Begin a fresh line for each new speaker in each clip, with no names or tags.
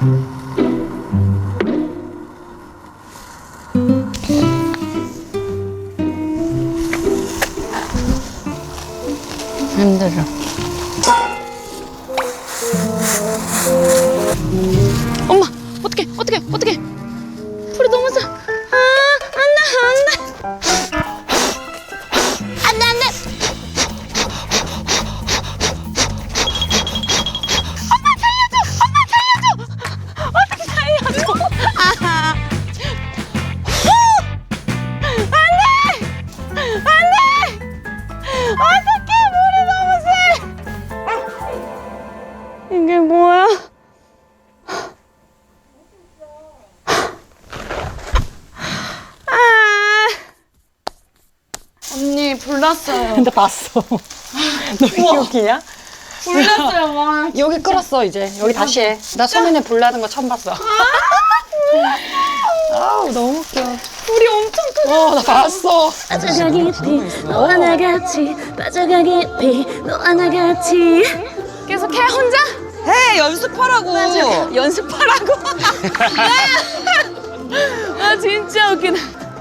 힘들어. 엄마, 어떡해. 불이 너무 세. 안 돼. 어떻게 살려줘. 안 돼. 어떡해, 물이 너무 세. 이게 뭐야? 언니, 불 났어요.
근데 봤어. 너 기억이냐?
불 났어요, 막.
여기 끓었어 이제. 여기 다시 해. 나 소민에 불 나는 거 처음 봤어. 아우 너무 웃겨.
불이 엄청 크죠?
나 봤어.
빠져가 깊이 너와 나 같이 빠져가 깊이 너와 나 같이
계속 해, 혼자?
해 연습하라고.
연습하라고? 아, 진짜 웃기다.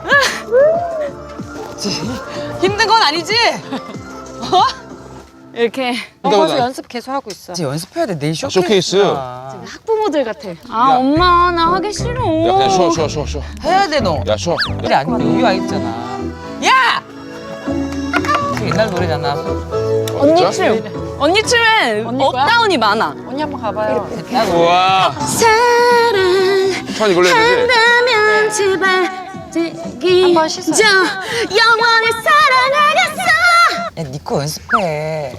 힘든 건 아니지?
이렇게.
가서 연습 계속 하고 있어.
이제 연습해야 돼. 내일
쇼케이스.
학부모들 같아. 아, 엄마, 나 하기 싫어.
야, 그냥 쉬어.
해야 돼 너.
야, 쉬어.
그래 아니면 여기 와 있잖아. 야! 그 옛날 노래잖아.
언니 춤. 언니 춤엔
언니 거야?
업다운이 많아.
언니 한번 가봐요.
우와. 천 이걸로 해야 되지?
사랑한다면 제발 되기
한번 씻어요.
저 영원히 사랑하겠어
야 니꺼 연습해.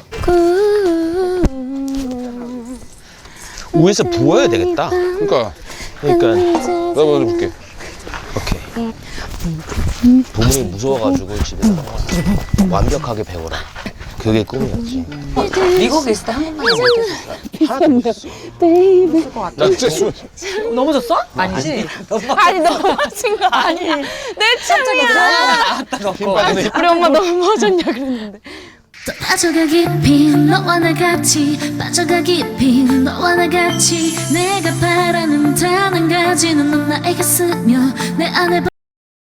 위에서 부어야 되겠다.
그러니까
그러니까
내가 먼저 볼게.
오케이. 부모님이 무서워가지고 집에서 완벽하게 배워라. 그게 꿈이었지.
미국에 있을 때 한국말 못했었어.
하나도 못했어.
나 진짜 쉬워.
넘어졌어? 아니지.
아니, 넘어진 거 아니야. 내 춤이야.
나왔다 너.
우리 엄마 넘어졌냐 그랬는데.
또 빠져가 깊이 너와 나 같이 빠져가 깊이 너와 나 같이 내가 바라는 단 한 가지는 넌 나에게 쓰며 내 안에